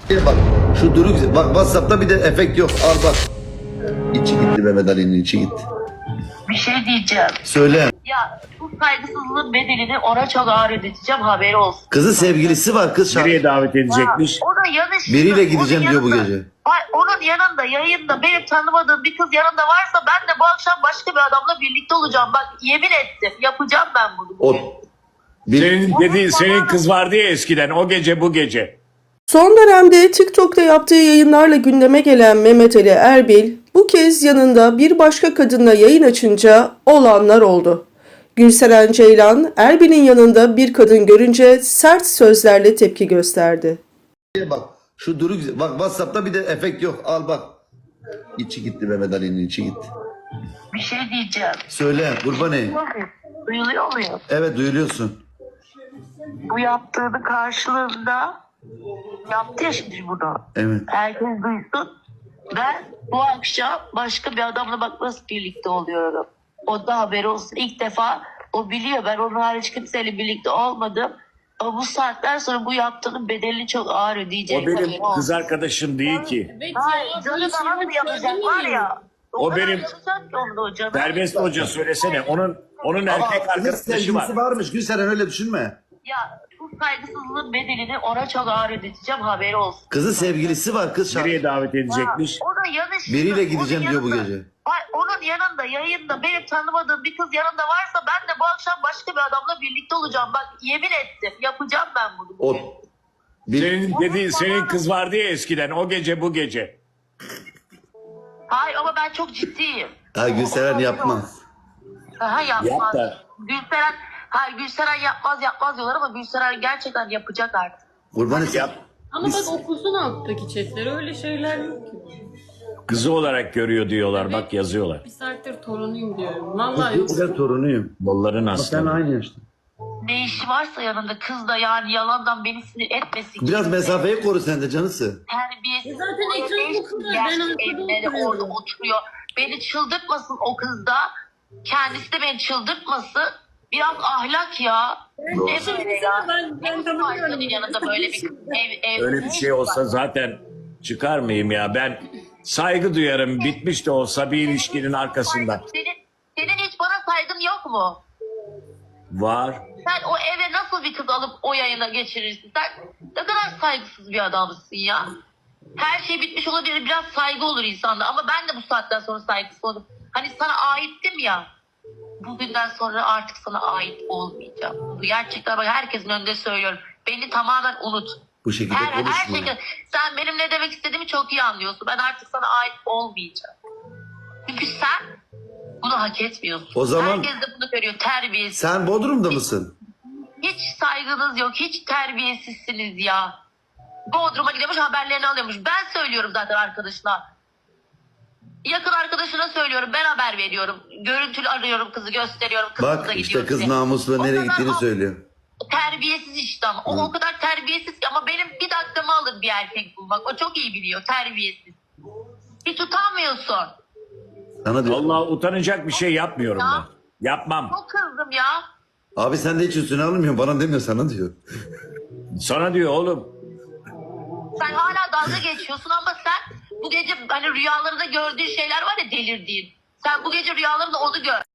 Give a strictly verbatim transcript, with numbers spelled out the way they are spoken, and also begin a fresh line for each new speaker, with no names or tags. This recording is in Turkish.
Bak şu duru güzel. Bak WhatsApp'ta bir de efekt yok. Al bak. İçi gitti Mehmet Ali'nin içi gitti.
Bir şey diyeceğim.
Söyle.
Ya bu saygısızlığın bedelini ona çok ağır ödeteceğim, haberi olsun.
Kızı sevgilisi var kız şarkı.
Nereye davet edecekmiş?
Ya, o da yanlış.
Biriyle gideceğim
Onun
diyor bu
yanında-
gece.
Ay, onun yanında yayında benim tanımadığım bir kız yanında varsa ben de bu akşam başka bir adamla birlikte olacağım. Bak yemin ettim, yapacağım ben bunu
O
bugün.
bir,
Senin dediğin senin kız vardı ya eskiden, o gece bu gece.
Son dönemde TikTok'ta yaptığı yayınlarla gündeme gelen Mehmet Ali Erbil, bu kez yanında bir başka kadınla yayın açınca olanlar oldu. Gülseren Ceylan, Erbil'in yanında bir kadın görünce sert sözlerle tepki gösterdi.
bak şu duru güzel. Bak WhatsApp'ta bir de efekt yok. Al bak. İçi gitti Mehmet Ali'nin içi gitti.
Bir şey diyeceğim.
Söyle kurbanı.
Duyuluyor muyum?
Evet duyuluyorsun.
Bu yaptığını karşılığında yaptı ya şimdi bunu.
Evet.
Herkes duysun. Ben bu akşam başka bir adamla bak nasıl birlikte oluyorum. O da haberi olsun. İlk defa o biliyor. Ben onun hariç kimseyle birlikte olmadım. Ama bu saatten sonra bu yaptığının bedelini çok ağır ödeyecek.
O benim
Haberi olsun.
kız arkadaşım değil ki.
Hayır, canı da nasıl yapacak var ya.
O
kadar
benim-
yapacak ki onu da o canı.
Serbest hoca söylesene, onun onun
Ama
erkek
kızın
arkadaşı var.
sevgilisi varmış. Gülseren öyle düşünme.
Ya bu saygısızlığın bedelini ona çok ağır ödeteceğim, haberi olsun.
Kızı sevgilisi var kız şarkı.
Nereye davet edecekmiş?
O da yanlış.
Biriyle
Onun
gideceğim diyor bu
yanında-
gece.
Ay, onun yanında yayında benim tanımadığım bir kız yanında varsa ben de bu akşam başka bir adamla birlikte olacağım. Bak yemin ettim, yapacağım ben bunu
O
bugün.
bir,
Senin dediğin senin kız vardı ya eskiden, o gece bu gece.
Hayır ama ben çok ciddiyim.
ha, Gülseren yapmaz.
Aha yapmaz.
Yap da.
Gülseren, hayır Gülseren yapmaz yapmaz diyorlar ama Gülseren gerçekten yapacak artık.
Kurbanı
Yap.
Ama bak okusun alttaki chatleri, öyle şeyler yok ki.
Kızı olarak görüyor diyorlar, bak yazıyorlar.
Bir saattir torunuyum diyorum. Vallahi yok.
Ben torunuyum.
Bolların
Ama sen
aslanı.
aynı yaşta.
Ne işi varsa yanında kız da yani yalandan beni sinir etmesin.
Biraz
kimse.
mesafeyi koru sen de canısı.
Terbiyesiz.
E zaten
Orada
ekran
beş
bu kadar.
yaş
Ben arkada
evleri
oturuyorum.
orada oturuyor. Beni çıldırtmasın o kız da. Kendisi de beni çıldırtmasın. Biraz ahlak ya. Ne böyle ya?
Ben, ben
Ne
tanımıyorum.
başkanın yanında böyle bir kız ev, ev,
Öyle bir şey olsa zaten çıkar mıyım ya? Ben saygı duyarım, bitmiş de olsa bir ilişkinin arkasında.
Senin, senin hiç bana saygın yok mu?
Var.
Sen o eve nasıl bir kız alıp o yayına geçirirsin? Sen ne kadar saygısız bir adamsın ya. Her şey bitmiş olabilir. Biraz saygı olur insanda. Ama ben de bu saatten sonra saygısız oldum. Hani sana aittim ya. Bugünden sonra artık sana ait olmayacağım. Bu gerçekten bak herkesin önünde söylüyorum. Beni tamamen unut.
Bu şekilde
Her, her
konuşma.
şekilde. Sen benim ne demek istediğimi çok iyi anlıyorsun. Ben artık sana ait olmayacağım. Çünkü sen bunu hak etmiyorsun.
O zaman-
Herkes de bunu görüyor. Terbiyesiz.
Sen Bodrum'da mısın?
Hiç saygınız yok. Hiç terbiyesizsiniz ya. Bodrum'a gidiyormuş, haberlerini alıyormuş. Ben söylüyorum zaten arkadaşına. Yakın arkadaşına söylüyorum. Ben haber veriyorum. Görüntülü arıyorum kızı, gösteriyorum. Kız
Bak
kıza
işte
gidiyor
kız
diye.
namusla
O
nereye
kadar
gittiğini
o-
söylüyor.
Terbiyesiz işte ama. O, o kadar terbiyesiz ki ama benim bir dakikamı alır bir erkek bulmak. O çok iyi biliyor. Terbiyesiz. Hiç utanmıyorsun.
Sana diyor.
Vallahi utanacak bir şey yapmıyorum ben. Yapmam.
Çok kızdım ya.
Abi sen de hiç üstüne alınmıyor. Bana demiyor sana diyor.
Sana diyor oğlum.
Sen hala dalga geçiyorsun ama sen bu gece hani rüyalarında gördüğün şeyler var ya, delirdiğin. Sen bu gece rüyalarında onu gör.